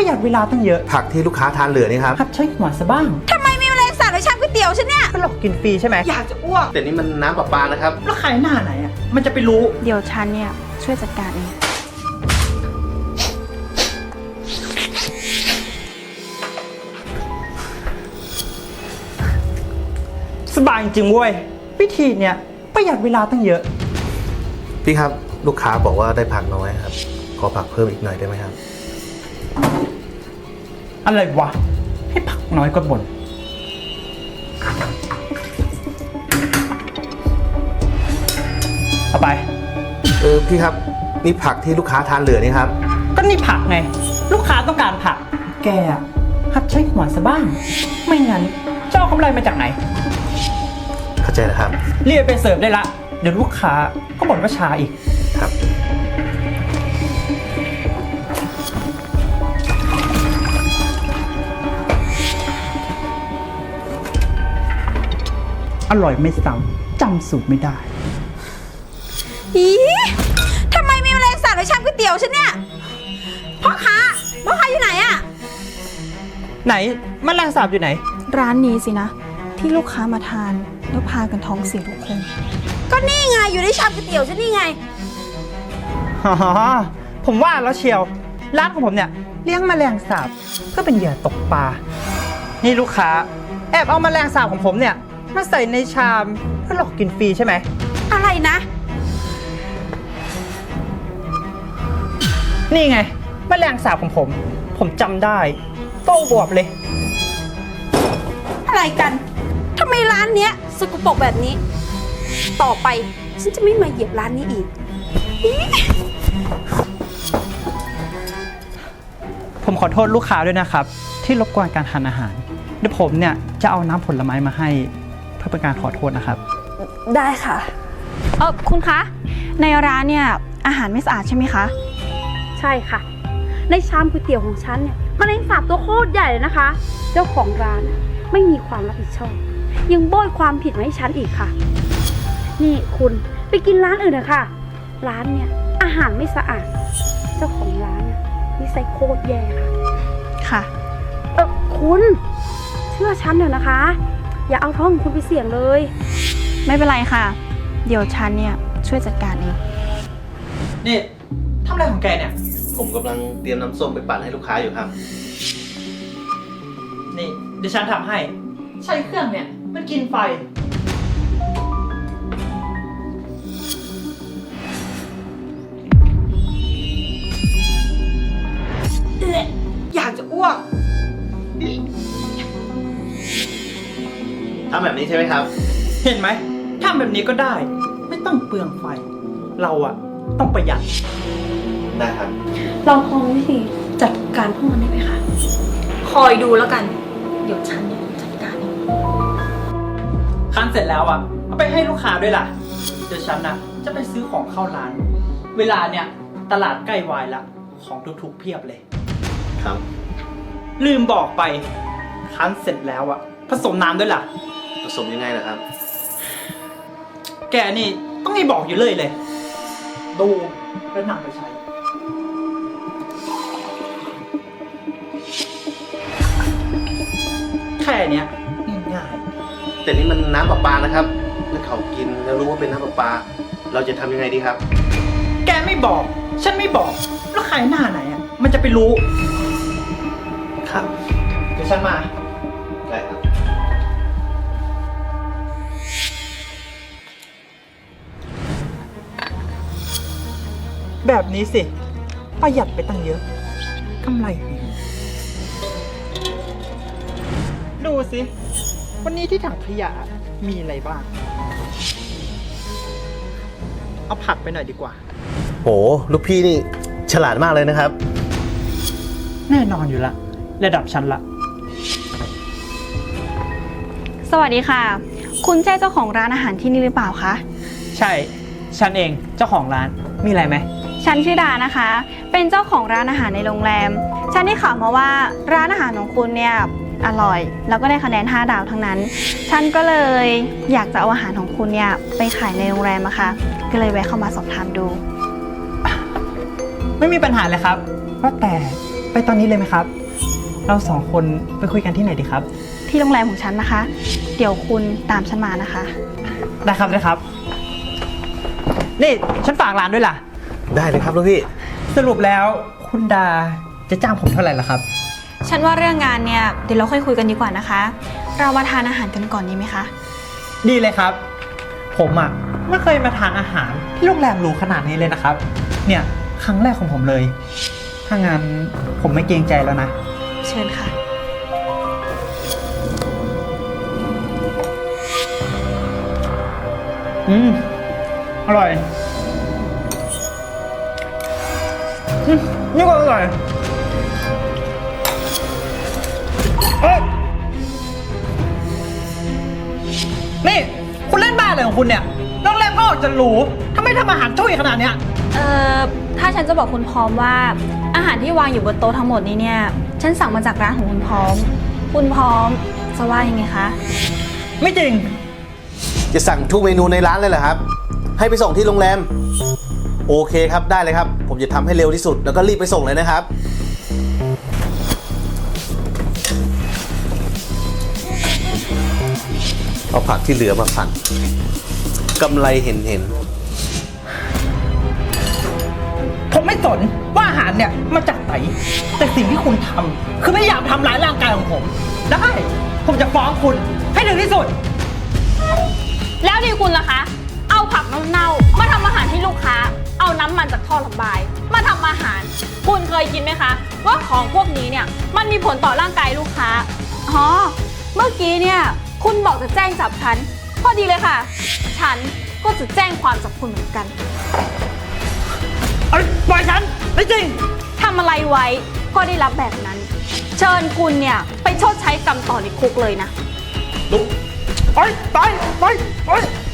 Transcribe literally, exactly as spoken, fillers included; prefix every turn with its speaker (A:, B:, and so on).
A: หยัดเวลาตั้งเยอะ
B: ผักที่ลูกค้าทานเหลือนี่ครับ
A: หัดใช้หัวซะบ้าง
C: ทำไมมีแมลงสาบในชามก๋วยเตี๋ยวฉันเนี่ย
A: ก็หลอกกินฟรีใช่ไหม
C: อยากจะอ้วก
B: แต่นี่มันน้ำประปานะครับ
A: แล้วขายหน้าไหนอ่ะมันจะไปรู้
D: เดี๋ยวฉันเนี่ยช่วยจัดการเอง
A: สบายจริงเว้ยวิธีเนี่ยประหยัดเวลาตั้งเยอะ
B: พี่ครับลูกค้าบอกว่าได้ผักน้อยครับขอผักเพิ่มอีกหน่อยได้ไหมครับ
A: อะไรวะให้ผักน้อยก็บ่นเอาไป
B: เออพี่ครับนี่ผักที่ลูกค้าทานเหลือนี่ครับ
A: ก็นี่ผักไงลูกค้าต้องการผักแกหัดใช้หัวซะบ้างไม่งั้นจะเอากำไรมาจากไหน
B: เข้าใจแล้วครับ
A: เรียกไปเสิร์ฟได้ละเดี๋ยวลูกค้าก็บ่นว่าช้าอีก
B: ครับ
A: อร่อยไม่ซ้ำจำสูตรไม่ได้
C: อีทำไมมีแมลงสาบในชามก๋วยเตี๋ยวฉันเนี่ยพ่อค้าพ่อค้าอยู่ไหนอะ
A: ไหนแมลงสาบอยู่ไหน
D: ร้านนี้สินะที่ลูกค้ามาทานแล้วพากันท้องเสียทุกคน
C: ก็นี่ไงอยู่ในชามก๋วยเตี๋ยวฉันนี่ไง
A: อ๋อผมว่าแล้วเชียวร้านของผมเนี่ยเลี้ยงแมลงสาบก็เป็นเหยื่อตกปลานี่ลูกค้าแอบเอาแมลงสาบของผมเนี่ยมาใส่ในชามเพื่อหลอกกินฟรีใช่ไหม
C: อะไรนะ
A: นี่ไงแมลงสาบของผมผมจำได้โตบวบเลย
C: อะไรกันทำไมร้านเนี้ยสกปรกแบบนี้ต่อไปฉันจะไม่มาเหยียบร้านนี้อีก
A: ผมขอโทษลูกค้าด้วยนะครับที่รบกวนการทานอาหารเดี๋ยวผมเนี่ยจะเอาน้ำผลไม้มาให้เพื่อเป็นการขอโทษนะครับ
D: ได้ค่ะเออคุณคะในร้านเนี่ยอาหารไม่สะอาดใช่ไหมคะ
C: ใช่ค่ะในชามก๋วยเตี๋ยวของฉันเนี่ยแมลงสาบตัวโคตรใหญ่เลยนะคะเจ้าของร้านไม่มีความรับผิดชอบยังโบยความผิดมาให้ฉันอีกค่ะนี่คุณไปกินร้านอื่นนะคะร้านเนี่ยอาหารไม่สะอาดเจ้าของร้านนิสัยโคตรแย่ค่ะ
D: ค่ะ
C: เออคุณเชื่อฉันเถอะนะคะอย่าเอาท้องของคุณไปเสี่ยงเลย
D: ไม่เป็นไรค่ะเดี๋ยวฉันเนี่ยช่วยจัดการเอง
A: นี่ทำอะไรของแกเนี่ย
B: ผมกำลังเตรียมน้ำส้มไปปั่นให้ลูกค้าอยู่ครับ
A: นี่เดี๋ยวฉันทำให้ใช้เครื่องเนี่ยมันกินไฟ
C: อยากจะอ้วก
B: ทำแบบนี้ใช่ไหมครับ
A: เห็นไหมทำแบบนี้ก็ได้ไม่ต้องเปลืองไฟเราอะต้องประหยัด
B: ได้ครับ
C: เราพอวิธีจัดการพวกมันได้ไหมคะคอยดูแล้วกันเดี๋ยวฉันเนี่ยจัดการเอง
A: คั้นเสร็จแล้วอะเอาไปให้ลูกค้าด้วยล่ะเดี๋ยวฉันนะจะไปซื้อของเข้าร้านเวลาเนี่ยตลาดใกล้วายละของทุกๆเพียบเลย
B: ครับ
A: ลืมบอกไปคั้นเสร็จแล้วอะผสมน้ำด้วยล่ะ
B: ผสมยังไงล่ะครับ
A: แกนี่ต้องให้บอกอยู่เลยเลยดูแล้วนำไปใช้แค่เนี้ยง่าย
B: ๆแต่นี่มันน้ำประปานะครับถ้าเขากินแล้วรู้ว่าเป็นน้ำประปาเราจะทำยังไงดีครับ
A: แกไม่บอกฉันไม่บอกแล้วใครหน้าไหนอ่ะมันจะไปรู้
B: ครับ
A: เดี๋ยวฉันมา
B: ได้ครับ
A: แบบนี้สิประหยัดไปตั้งเยอะกำไรดีดูสิวันนี้ที่ถังขยะมีอะไรบ้างเอาผักไปหน่อยดีกว่า
B: โหลูกพี่นี่ฉลาดมากเลยนะครับ
A: แน่นอนอยู่ละระดับชั้นละ
D: สวัสดีค่ะคุณใช่เจ้าของร้านอาหารที่นี่หรือเปล่าคะ
A: ใช่ฉันเองเจ้าของร้านมีอะไรไหม
D: ฉันชื่อดานะคะเป็นเจ้าของร้านอาหารในโรงแรมฉันได้ข่าวมาว่าร้านอาหารของคุณเนี่ยอร่อยแล้วก็ได้คะแนนห้าดาวทั้งนั้นฉันก็เลยอยากจะเอาอาหารของคุณเนี่ยไปขายในโรงแรมอะค่ะก็เลยแวะเข้ามาสอบถามดู
A: ไม่มีปัญหาเลยครับว่าแต่ไปตอนนี้เลยไหมครับ เราสองคนไปคุยกันที่ไหนดีครับ
D: ที่โรงแรมของฉันนะคะ เดี๋ยวคุณตามฉันมานะคะ
A: ได้ครับได้ครับ นี่ฉันฝากร้านด้วยล่ะ
B: ได้เลยครับลูกพี่
A: สรุปแล้วคุณดาจะจ้างผมเท่าไหร่ล่ะครับ
D: ฉันว่าเรื่องงานเนี่ยเดี๋ยวเราค่อยคุยกันดีกว่านะคะ เรามาทานอาหารกันก่อนดีไหมคะ
A: ดีเลยครับ ผมอ่ะไม่เคยมาทานอาหารที่โรงแรมหรูขนาดนี้เลยนะครับ เนี่ยครั้งแรกของผมเลย ถ้างั้นผมไม่เกรงใจแล้วนะ
D: เชิญค่ะ
A: อืม อร่อยอืมนี่ก็อร่อยเอ้ยนี่ คุณเล่นบ้าอะไรของคุณเนี่ยโรงแรมก็ออกจะหรูทำไมทำอาหารช่วยขนาดเนี้ย
D: เอ่อ ถ้าฉันจะบอกคุณพร้อมว่าอาหารที่วางอยู่บนโต๊ะทั้งหมดนี้เนี่ย ฉันสั่งมาจากร้านของคุณพร้อม คุณพร้อมจะว่ายังไงคะ
A: ไม่จริง
B: จะสั่งทุกเมนูในร้านเลยเหรอครับ ให้ไปส่งที่โรงแรม โอเคครับได้เลยครับ ผมจะทำให้เร็วที่สุดแล้วก็รีบไปส่งเลยนะครับ เอาผักที่เหลือมาผัดกำไรเห็นเห็น
A: ผมไม่สนว่าอาหารเนี่ยมาจากไหน แต่สิ่งที่คุณทำคือพยายามทำร้ายร่างกายของผม ได้ ผมจะฟ้องคุณให้ถึงที่สุด
D: แล้วดีคุณล่ะคะ เอาผักเน่าๆมาทำอาหารให้ลูกค้า เอาน้ำมันจากท่อระบาย มาทำอาหาร คุณเคยกินไหมคะ ว่าของพวกนี้เนี่ยมันมีผลต่อร่างกายลูกค้า อ๋อ เมื่อกี้เนี่ยคุณบอกจะแจ้งจับฉัน พอดีเลยค่ะ ฉันก็จะแจ้งความจับคุณเหมือนกัน
A: เอ้ยปล่อยฉัน ไม่จริง
D: ทำอะไรไว้ก็ได้รับแบบนั้น เชิญคุณเนี่ยไปชดใช้กรรมต่อในคุกเลยนะ
A: ลุกไปไปไปไป